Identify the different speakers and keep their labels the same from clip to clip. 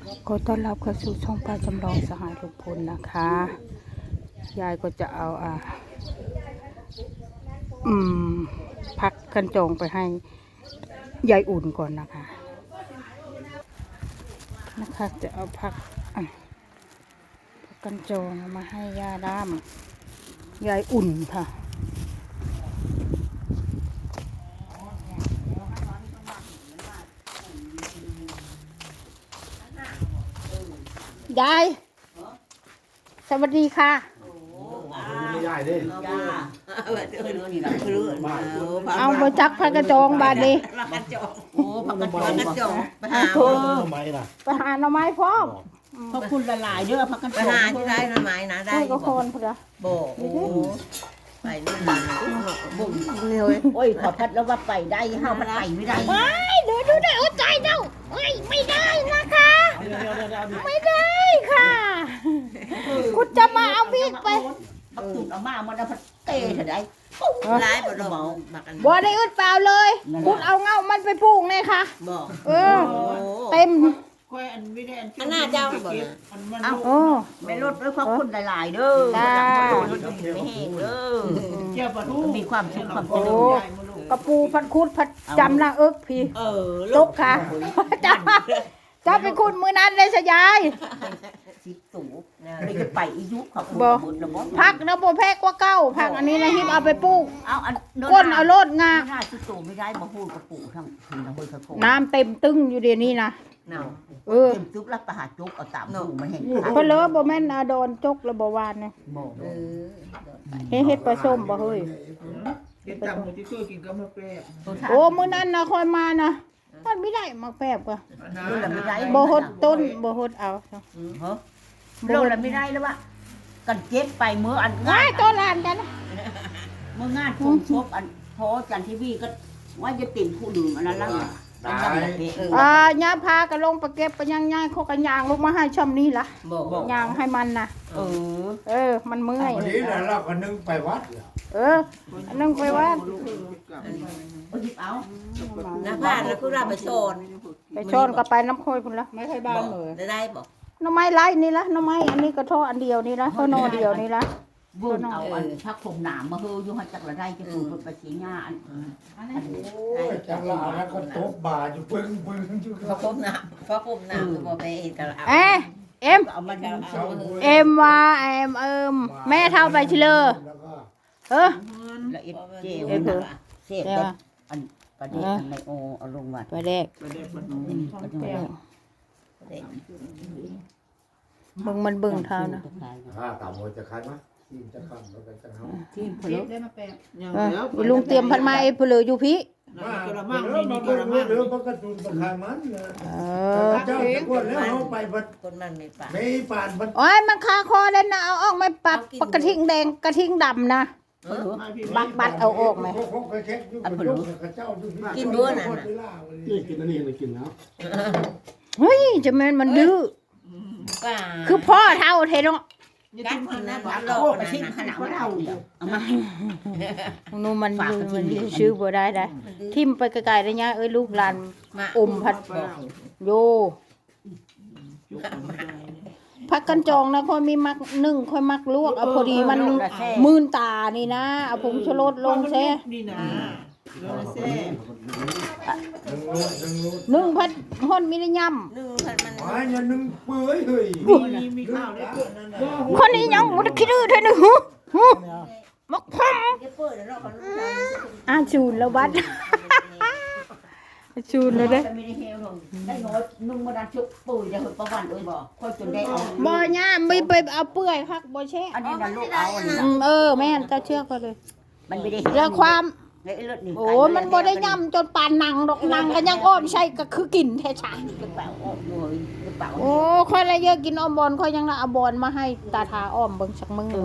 Speaker 1: ขอต้อนรับเข้าสู่ช่องป้าจำลองสหายลุงพลนะคะยายก็จะเอาพักกันจองไปให้ยายอุ่นก่อนนะคะจะเอาพักกันจองมาให้ย่าด้ามยายอุ่นค่ะยายสวัสดีค่ะ
Speaker 2: ไม่ได้เด้
Speaker 1: เอาไปจักพักกระจองบาดนี้
Speaker 3: โอ้ผักกระจองไปหา
Speaker 2: ทำไมล่ะ
Speaker 1: ไปหาหน่อไม้พร้อม
Speaker 3: พราะคุณละลายเด้อผักกระจองไปหาที่ได้หน่อไม้นะได้
Speaker 1: ก็คนพุ่นละ
Speaker 3: โบไปนี่นะบุ้งเลยโอ้ยขอพัดแล้วว่าไปได้ห้าวมันไปไม่ได้
Speaker 1: ดูได้อดใจเจ้าไม่ได้นะคะไม่ได้ค่ะคุณจะมาเอาพริกไป
Speaker 3: เอาตุ่นเอามามันเอาพัดเตะเถอะได้ร้ายบ่ดอก
Speaker 1: บ่ได้อึดเปล่าเลยคุณเอาเงามันไปปลูกเลยค่ะเต็ม
Speaker 3: อันน่าเจ้า
Speaker 1: เอา
Speaker 3: ไม่ลดด้วยเพราะคุณหลายๆเด้อไม่แห้งเด้อมีความสุขความเจริญ
Speaker 1: กระปูพัดคุดพัดจำละพี่ลกค่ะจะไปคุดมือนั้นเลยสยาย
Speaker 3: 10 ตู่เลยจะไปอียุขอบคุณ
Speaker 1: พักนะโบแพกว่าเก้าพักอันนี้นะฮิปเอาไปปลูก
Speaker 3: เอา
Speaker 1: ก้นเอาโลดงา
Speaker 3: ไม่ได้10 ตู่ไม่ได้มาพูดกระปูทั้งคืนทั้งคืนทั้ง
Speaker 1: น้ำเต็มตึ้งอยู่เดี๋ยวนี้นะ
Speaker 3: เต็มจุกรับประหารจุกเอาตามตู่มาเห็น
Speaker 1: เพราะเลอะโบแม่นโดนจกระบวานเนี่ยเฮ็ดปลาส้มบ่เฮ้ยโอ้มื้อนั้นนะคอยมานะมันไม่ได้มาแปบก็บ่ฮดต้นบ่ฮดเอา
Speaker 3: โลละไม่ได้แล้ววะกันเจ็บไปเมื่ออัน
Speaker 1: ง่ายต้นลานกัน
Speaker 3: เมื่องานพุ่งชกอันพอจันทีวีก็ว่าจะติ่มผู้ดื่มอันนั้นแล้ว
Speaker 1: ย่าพากันลงไปเก็บไปย่างเขากันยางลงมาให้ช่อมนี้ล่ะยางให้มันนะมันเมื่อย
Speaker 2: วันนี้เราก็นึ่งไปวัด
Speaker 1: นึ่งไปวัด
Speaker 3: เอาน้าบ้านแล้วก็เราไป
Speaker 1: โซนก็ไปน้ำโคยคุณละไม่ใช่บ้าน
Speaker 3: เลยได้บอก
Speaker 1: น้ำไม้ไล่นี่ละน้ำไม้อันนี้ก็ท่ออันเดียวนี่ละท่อนอเดียวนี่ละ
Speaker 3: บุญเอาอันพักผมหนามมาเฮยยุ่งจักระได้จะปลูกไปสีหญ้าอัน
Speaker 2: จักระแล้วก็ตบบ่าอยู่ปึ้งอยู่
Speaker 3: พักผมหนามบอกไปกันแล้ว
Speaker 1: เอ็มว่าแม่เท่าไปชิเลอ
Speaker 3: ละเอียดเจียวเสียบอันประเด็นในโอเอาลงมา
Speaker 1: ประเด็กมันบึ้งเท่านะ
Speaker 2: ต่ำหัวจะคันมั้ยทีมจะคันแล้วกันจะเอา
Speaker 3: ทีมพลุได้มาแป
Speaker 1: ะลุงเตรียมพันไม้เพลืออยู่พี่
Speaker 2: มาเดี๋ยวประตูประคายมันเจ้าจะกวนแล้วเอาไป
Speaker 3: ต้นมันไม่ป่า
Speaker 2: ไม่ป่าน
Speaker 1: โอ้ยมันคาคอแล้วนะเอาออกไม่ปักกระทิงแดงกระทิงดำนะบัดเอาออกไหม
Speaker 3: กินด้วยนะ
Speaker 2: กินอันนี้เลยกินแล้ว
Speaker 1: เฮ้ยจะแม่นมันดื้อคือพ่อเท่าเทน
Speaker 3: กันกินนะโอ้ไปชิมขนาดว่าเราเอามา
Speaker 1: นู่นมันชื่อบ่ได้ทิมไปไกลๆได้ยะลูกหลานพัดโยพักกันจองนะค่อยมีมักนึ่งค่อยมักลวกเอาพอดีมันมื่นตานี่นะเอาผงชูรสลงแช่นึ่งพัดห่อนมีได้ย่ำ
Speaker 3: นึ่งพัดมัน
Speaker 2: นึ่งเปื่อยเฮ้ย
Speaker 3: มีข้าวได้
Speaker 1: คนนี้ยังมันคิดดื้อเท่านึงมักพมชูนแล้วบัดชูนเลยเด้
Speaker 3: ได้น้อยนุ่งมาดันชุบปุ๋ยจะหดประวันเลยบ่ค่อยจนได้เอา
Speaker 1: บ่ย่าไม่ไปเอาเปื่อยคักบ่แช่
Speaker 3: อันนี้ดันลูกเอา
Speaker 1: แม่นจะเชื่อก็เลย
Speaker 3: มันไม่ได้
Speaker 1: แล้วความโอ้มันบ่ได้ย่ำจนปานหนังดอกหนังก็ยังอ้อมใช่ก็คือกินแท้ชาโอ้ค่อยละเยอะกินอ้อมบอลค่อยยังละเอาบอลมาให้ตาทาอ้อมเบิ่งสักมึง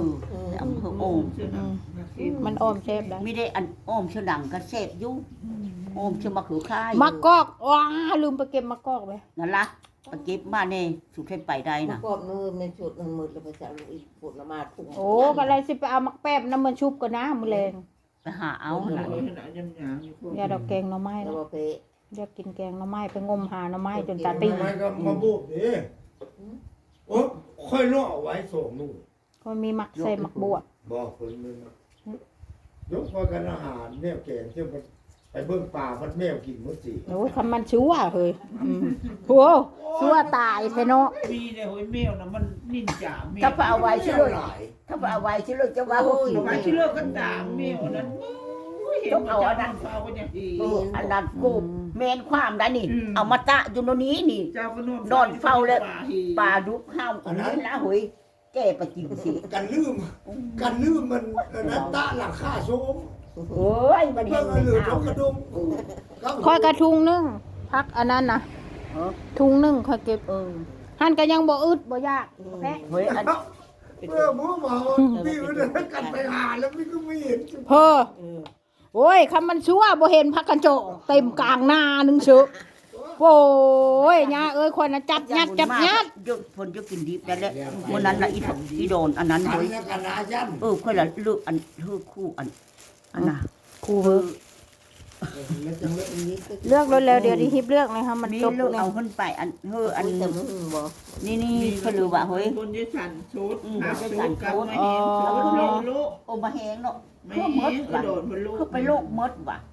Speaker 1: มันอ้อมแซ่บได้
Speaker 3: ไม่ได้อันอ้อมเชื่อดังก็แซ่บอยู่อ้อมเชื่อมะเขือค่าย
Speaker 1: มะกอกว้าลืมไปเก็บมะกอกไป
Speaker 3: นั่นละไปเก็บมาเนี่ยสุดเทพไปได้นะ
Speaker 4: มะกอกมือมันสุดมันมืดแล้วไปจะอีกปวดละมาทุ่ง
Speaker 1: โอ้ก็เลยสิไปเอามักแป๊บน้ำมันชุบก่อนนะมื้อแลง
Speaker 3: ไปหาเอา
Speaker 1: อย่าดอกแกงหน่อไม้
Speaker 4: แล้วไป
Speaker 1: เรียกกินแกงหน่อไม้ไปงมหาหน่อไม้จนตาตี
Speaker 2: ทำไมก็มาบุกดิโอ้ค่อยล่อไว้ส่งนู่น
Speaker 1: ก็มีมักใส่มักบวบ
Speaker 2: บอกคนนึงยกพอกันอาหารแมวแกงเที่ยวมันไปเบิ่งป่ามันแมวกินหมดสิ
Speaker 1: โอ้ยคำมันชั่วเฮ้ยโหชั่วตายแท้เนาะ
Speaker 5: มีเนี่ยโหยแมวนะมันนินจาแมว
Speaker 3: ถ้าไปเอาไว้ชื่อเลยถ้าไปเอาไว้ชื่อเลยจะว่าเขากิน
Speaker 5: เอาไว้ที่เลิกกันด่าแมวนั้นเห็นมันจะนั่งเฝ้ากันอย่างดี
Speaker 3: อันนั้นกูเมนความได้นี่ เอามาตะอยู่ตรงนี้นี่
Speaker 5: เจ้าก็นอน
Speaker 3: นอนเฝ้าเลยปลาดุกข้าวอันนี้ละหวยแก้ไปกินสิ
Speaker 2: กันลืมมันนั้นตะหลังค่าโซม
Speaker 3: โอ้ยมัน
Speaker 2: เพิ่
Speaker 3: เห็
Speaker 2: ง
Speaker 3: น
Speaker 2: เหลือ
Speaker 3: ข้าว
Speaker 2: กระดุม
Speaker 1: คอยกระทุงนึงพักอันนั้นนะทุงนึงคอยเก็บหันก็ยังบ่อึดบ่ยากแพ้
Speaker 3: เฮ้ยอัน
Speaker 2: เมื่อหมูเมาพี่มันกันไปหาแล้วพี่ก็ไม่เห็น
Speaker 1: เพ้อโอ้ยคำมันชั่วบ่เห็นพักกันโจเต็มกลางหน้านึงเชือโอ้ยย่าเอ้ยคนน่ะจับยัด
Speaker 3: ยุดผลยุดกินดิบนั่นแหละวันนั้นละอีโดนอันนั้น
Speaker 2: ขัน
Speaker 3: เฮ้ย
Speaker 2: แล้วกันอายัน
Speaker 3: ค่อยละเลือกอันเลือกคู่อันน่ะ
Speaker 1: ครูเพิ่น
Speaker 2: แล้วจังเลย
Speaker 1: เลือกเร็วๆเดี๋ยวดิฮิบเลือกเลยค่ะมัน
Speaker 3: นี่
Speaker 1: จบ
Speaker 3: ลูก
Speaker 1: แล้ว
Speaker 3: เอาขึ้นไปอันอัน
Speaker 4: แต่มึงบ่
Speaker 3: นี่เขาลือว่าเฮ้ย
Speaker 5: คนที่สั่นชุด
Speaker 3: อืม
Speaker 5: หา
Speaker 3: คนที่
Speaker 5: ชุ
Speaker 3: สั่
Speaker 5: ด
Speaker 3: น
Speaker 5: กับ
Speaker 3: ชุด
Speaker 5: ไม่เห็นชุดโลโล
Speaker 3: โอมาแหงเนาะ
Speaker 5: ไม่
Speaker 3: คือม
Speaker 5: เห็
Speaker 3: ด
Speaker 5: นกระ
Speaker 3: ว่ะ
Speaker 5: โดดมันโล
Speaker 3: คือไปโลกมดว่ะ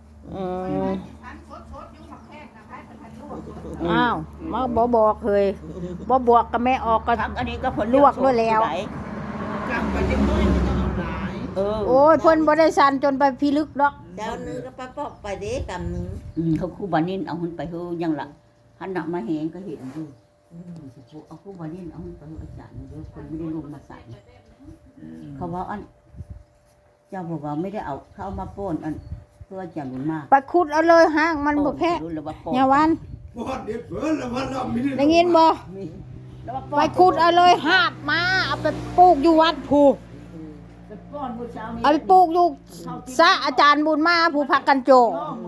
Speaker 1: อ้าวมาบ่บอกเคยบ่บอกกับแม่ออกก็
Speaker 3: ทักอันนี้ก็ผล
Speaker 1: ลวกด้วยแล้ว
Speaker 5: กลับไปจะไม่ต้องเอาหลาย
Speaker 1: โอ้ยเพิ่นบ่ได้สั่นจนไปพิลึกดอก
Speaker 4: เจ้านึงก็ปอกไปเด้กำนึง
Speaker 3: เขาคู่บานินเอาขึ้นไปเฮยังละหันหนักมาแหงก็เห็นดูเอาคู่บานินเอาขึ้นไปอาจารย์เดี๋ยวคนไม่ได้ลงมาใส่เขาว่าอันเจ้าบอกว่าไม่ได้เอาเข้ามาป้นอันเพื่อจะหนุนมาก
Speaker 1: ไปขุดเอาเลยห้างมันบ่แพ้อย่าวัน
Speaker 2: พอดเด็ดเฟื่อแล้ววันเราไม่ได้
Speaker 1: ได้ยินบ่ไปขุดเอาเลยหาบมาเอาไปปลูกอยู่วัดผู้เอาไปปลูกอยู่ซะอาจารย์บุญมาผู้พักกันโจ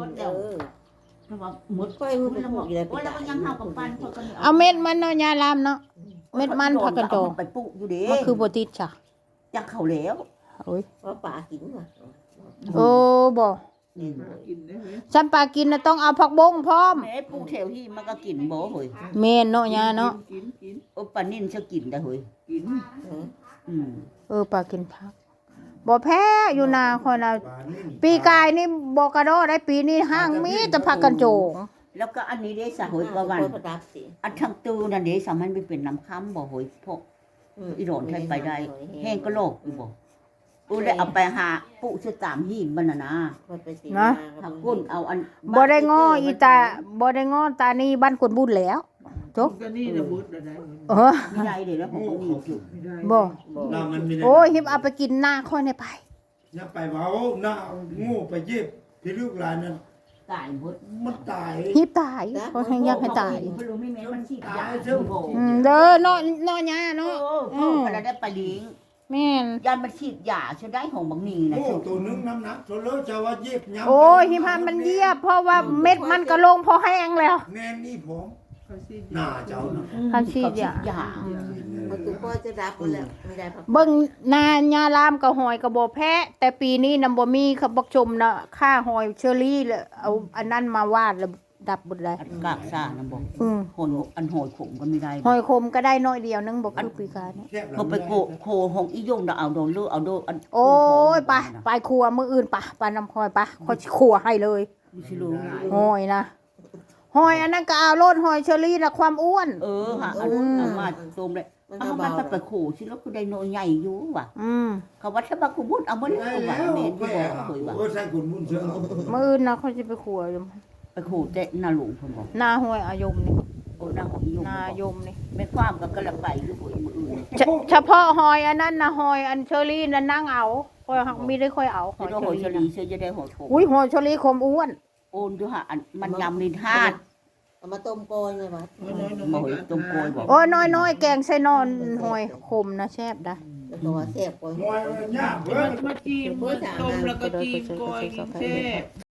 Speaker 3: หมด
Speaker 4: ค่อยมือไปพูดอยู่เลย
Speaker 3: โอ้แล้วก็ยังเข้ากับปันเขาก็
Speaker 1: เอาเม็ดมันเนาะยาลามเนาะเม็ดมันพักกันโจ
Speaker 3: ไปปลูกอยู่เด้
Speaker 1: มันคือบ่ติดจ้ะ
Speaker 3: จะเข้าแล้ว
Speaker 1: โอ้ย
Speaker 4: เพราะป่ากินว่ะ
Speaker 1: โอ้บ่
Speaker 5: กินได้ไหม
Speaker 1: ฉันปลากินน่ะต้องเอาผักบงพร้อม
Speaker 3: แม่ปลูกแถวที่มันก็กินบ่เฮ้ย
Speaker 1: แม่นเนาะยาเนาะ
Speaker 5: กิน
Speaker 3: โอ้ปันนินจะกินได้เฮ้ย
Speaker 5: กิน
Speaker 1: ปลากินผักบ่แพ้อยู่นาคนน่ะปีกายนี่บ่กระโดดได้ปีนี้ห้างมีแต่ผักกันโจง
Speaker 3: แล้วก็อันนี้ได้สะเฮ้ยว่าวัน
Speaker 4: ประดับสิ
Speaker 3: อันทั้งตูนั่นเด้สามันไปเป็นน้ำค้ำบ่เฮ้ยพวกอีโดนใช้ไปได้แห้งก็โลกอยู่บ่ได้เอาไปหาปุชื่อตามหิมมันน่ะนะ หักก้นเอาอัน
Speaker 1: บ่ได้ง้ออีตาบ่ได้ง้อตานี่บ้านกวนบุญแล้วจบ
Speaker 5: ก็นี่ระบุดอะไร
Speaker 3: ไม่ได้เดี๋ยวแล้วผมก็มีอยู่
Speaker 1: บ่
Speaker 2: น้ามันไม่ได้
Speaker 1: โอ้ยหิบเอาไปกินหน้าค่อยในไป
Speaker 2: น้าไปเผาหน้างูไปเย็บพี่ลูกหลานนั้น
Speaker 3: ตายหมด
Speaker 2: มันตาย
Speaker 1: หิบตายเขาให้อยากให้ตาย
Speaker 3: ไม่รู้ไม่แม้มันฉีดยา
Speaker 1: เด้อเนาะเนาะยาเนาะ
Speaker 3: พอได้ไปเลี้ยง
Speaker 1: แม่น
Speaker 3: ยามันฉีดยาใช้ได้ของบางนีนะ
Speaker 2: โอ้ตัวนึงน้ำหนักโซโลจะว่าเย็บย้ำ
Speaker 1: โอ้ยหิบมันเยียบเพราะว่าเม็ดมันก็ลงพอแห้งแล้ว
Speaker 2: แม่นี่ผมหน้าเจ้านะ
Speaker 1: คันฉีดยา
Speaker 4: มันคือพ่อจะรับแล้วไม่ได้พัก
Speaker 1: เบิ่งนายาลามกับหอยกับบ่แพ้แต่ปีนี้นำบ่มีเขาบอกชมนะค่าหอยเชอรี่แล้วเอาอันนั้นมาวาดแล้วดับบ่ได้
Speaker 3: กากซ่านะบอก โหนอันโหยขมก็ไม่ได้
Speaker 1: หอยคมก็ได้น้อยเดียวนึงบ่คือปีกายนี่
Speaker 3: ก็ไปโคของอียงดาเอาโดนเลือเอาโดนอัน
Speaker 1: โอ้ยไปครัวมื้ออื่นไปน้ำหอยค่อยครัวให้เลย
Speaker 3: ชิลู
Speaker 1: หอยนะหอยอันนั้นก็เอาโลดหอยเชอรี่น่ะความอ้วน
Speaker 3: ค่ะอันเอามาโตมเลยเอามันไปโคชิแล้วคือได้โนใหญ่อยู่ว่ะเขาว่าถ้าบาคุบุญเอามัน
Speaker 2: ได้
Speaker 3: เอา
Speaker 2: แล้
Speaker 3: ว่ะ
Speaker 2: ว
Speaker 3: เมนที่บอกเคยว่า
Speaker 2: โอ้ใส่กุนมุนเชื่อ
Speaker 1: มื้ออื่นนะเขาสิไปครัวอยู่
Speaker 3: ไปโคแต่นาหลวงผมบอก
Speaker 1: หน้าห้วยอายมนี่
Speaker 3: โอ้นางของอียง
Speaker 1: หน้ายมนี่
Speaker 3: ไม่ความกับกระไปหรือหวยมืออื่น
Speaker 1: เฉพาะหอยอันนั้นนะหอยอันเชอรี่นั่นนั่งเอาค่อยหักมีได้ค่อยเอาหอย
Speaker 3: จะโหยช
Speaker 1: เชอ
Speaker 3: ลี
Speaker 1: รี่
Speaker 3: เชื่อจะได้โหยโถ
Speaker 1: อุ้ยหอยเชอรี่คมอ้วน
Speaker 3: โอนด้วยฮะอันมันยำลินธาตุ
Speaker 4: เอามาต้มโกยไงวะ
Speaker 3: มาโหยต้มโกยบอก
Speaker 1: โอ้ยน้อยๆแกงใส่นอนหอยคมนะแซ่บได้
Speaker 4: แล้วก็ว่าแซ่บโกย
Speaker 2: มวยมันยากเว้ย
Speaker 5: มาจีมต้มแล้วก็จีมก้อยแซ่บ